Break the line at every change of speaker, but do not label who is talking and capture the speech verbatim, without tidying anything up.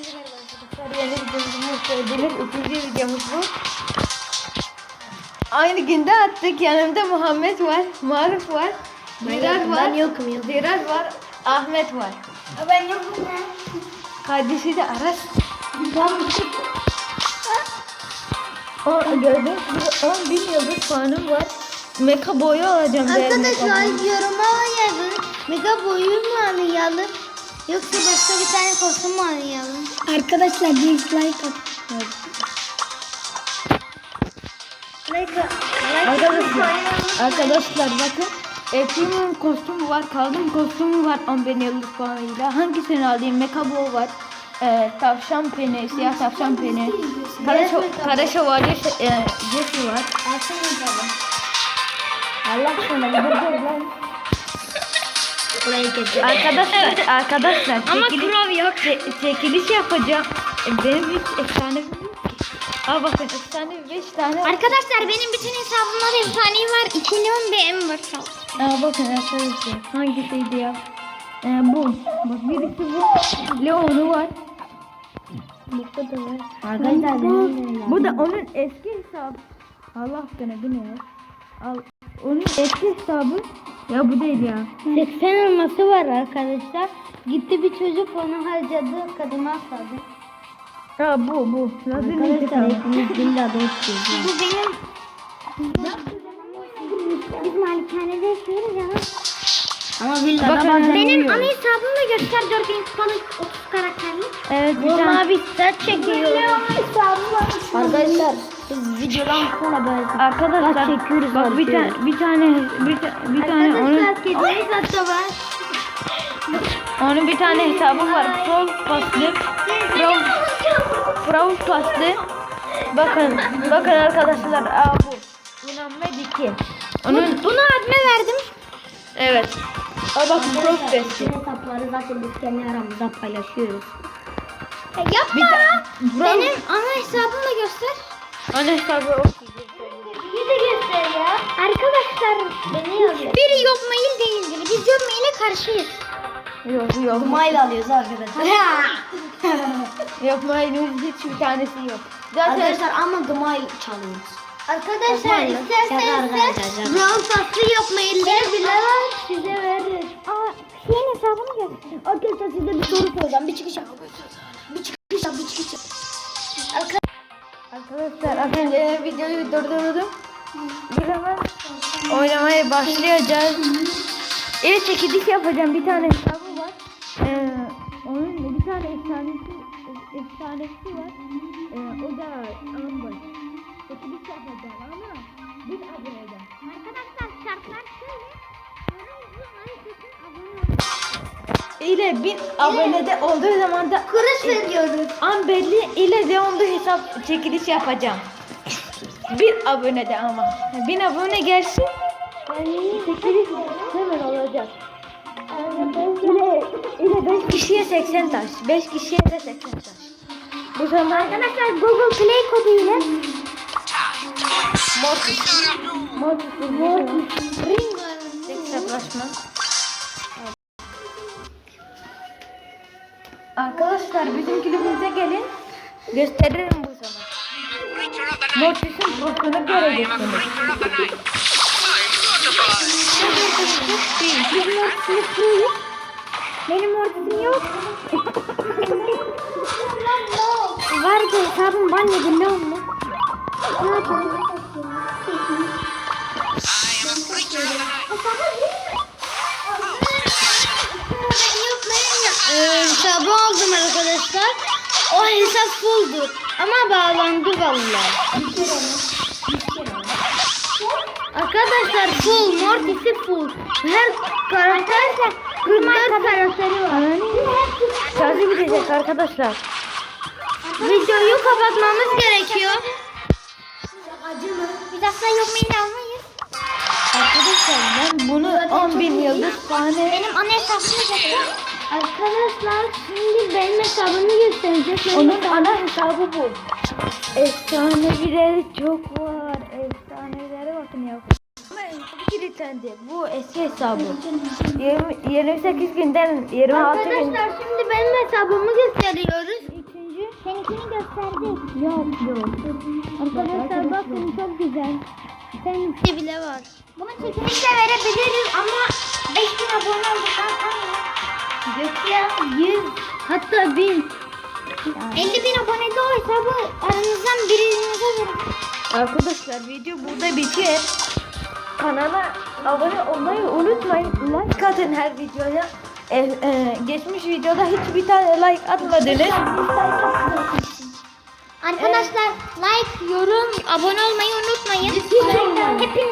Herkese merhaba arkadaşlar. Yeni videomuz hoş geldiniz. Üçüncü videomuz bu. Aynı günde attık. Yanımda Muhammed var, Maruf var, Ziraat var,
Ben yokum ya.
Ziraat var, Ahmet var.
Ben yokum ya.
Kardeşi de Aras. O gördüğünüz gibi on bin yıldız puanım var. Meka boyu alacağım.
Arkadaşlar yoruma yazın. Mega boyu mu arayalım? Yoksa başka bir tane kostüm mu arayalım? Arkadaşlar bir like at. Like
Arkadaşlar, arkadaşlar bakın. Efrim'in kostümü var, Kaldım kostümü var on bin yıldız puanıyla. Hangisini alayım? Mekabo var. E, tavşan peni, siyah tavşan peni. Kara, şo kara şövalye e, Jesse var. Allah sana dur lan.
Buraya getir.
Arkadaşlar, arkadaşlar
Ama
çekiliş,
kurov yok.
çe- çekiliş yapacağım. E, Benim hiç efsane bir Aa bakın efsane beş tane.
Arkadaşlar benim bütün hesabımda da efsanevi var. iki milyon bir em var.
Aa bakın arkadaşlar hangisiydi ya? Ee, bu. Bak birisi bu. Leon'u var.
Burada da var.
Arkadaşlar bu, bu da onun eski hesabı. Allah aşkına bu ne ya? Al. Onun eski hesabı. Ya bu değil ya.
seksen elması var arkadaşlar. Gitti bir çocuk onu harcadı. Kadına asladı.
Ha bu bu. Lazım
hepimiz villa dostuz. Bu benim. Biz malikanede yaşıyoruz ya. Ama villada
Bakın,
bazen benim
uyuyor.
ana hesabımı da göster. dört bin kupalık otuz karakterli.
Evet bir
Vallahi
tane.
bir set çekiyoruz. Arkadaşlar biz videodan sonra böyle
Arkadaşlar
çekiyoruz.
bak bir tane bir tane bir, ta, bir tane onun
Arkadaşlar kedimiz hatta var.
onun bir tane hesabı var. Pro paslı. Pro Pro paslı. Bakın bakın arkadaşlar. Aa bu. Muhammed iki. Onun
Bunu adme verdim.
evet. Aa bak Pro paslı.
Hesapları zaten biz kendi aramızda paylaşıyoruz. Ya
Bir
yapma.
ta-
Benim ana hesabımı da göster.
Ana hesabı o.
Bir de göster ya. Arkadaşlar beni yazıyor. Biri yok mail değildir. Biz yok maile karşıyız.
Yok yok.
Mail alıyoruz arkadaşlar.
Yok mailimiz hiçbir tanesi yok. Zaten
Arkadaşlar ama gmail çalıyoruz. Arkadaşlar isterseniz Brawl Pass'ı yok mailleri bile var. Size veririz. Aa şeyin hesabını göster. Arkadaşlar size bir soru soracağım. Bir çıkış yap. Bir çıkış yap. Bir çıkış yap.
arkadaşlar az önce videoyu durdurdum. Bir hemen oynamaya başlayacağız. Evet çekiliş yapacağım. Bir tane hesabı var. Ee, onun bir tane efsanesi efsanesi var. Ee, o da Amber. Çekiliş yapacağım ama bir aboneden.
Arkadaşlar şartlar şöyle.
İle bin abonede olduğu zaman da
Kuruş veriyoruz.
Amberli ile Leon'da hesap çekiliş yapacağım. Bir abonede ama. Bin abone gelsin. Çekiliş hemen olacak. İle, ile beş kişiye seksen taş. beş kişiye de seksen taş. Bu zaman
Arkadaşlar Google Play kodu ile
Mortis. Mortis. Mortis. Ring. Hesaplaşma. Arkadaşlar bizim kulübümüze gelin. Gösteririm bu zaman. Mortis'in postunu göreceksiniz.
benim Mortis'im yok. Benim Mortis'im yok. Vardı hesabım ban yedi ne oldu? Ne yapalım? Ee, hesabı aldım arkadaşlar. O hesap fulldu. Ama bağlandı vallahi. Arkadaşlar full, Mortis'i full. Her karakter kırk dört karakteri var.
Şarjı bitecek arkadaşlar.
Videoyu kapatmamız gerekiyor. Biz asla yok mail almayız.
Arkadaşlar ben bunu on bin yıldız tane.
Benim ana hesabımı göster. Arkadaşlar şimdi benim hesabımı gösterecek.
Onun ana hesabı bu. Efsaneleri çok var. Efsanelere bakın ya. Ama kilitlendi. Bu eski hesabı. yirmi, yirmi sekiz günden yirmi altı gün.
Arkadaşlar şimdi benim hesabımı gösteriyoruz.
İkinci
gösterdik. Yok yok. Arkadaşlar bakın çok güzel. Sen bile var. Bunu çekilişle verebiliriz ama beş bin abone olduktan sonra Gökya yüz hatta bin elli bin abonede o hesabı aranızdan birinize verin.
Arkadaşlar video burada bitiyor. Kanala abone olmayı unutmayın. Like atın her videoya. E, e, geçmiş videoda hiçbir tane like atmadınız.
Arkadaşlar like, yorum, abone olmayı unutmayın. Hepiniz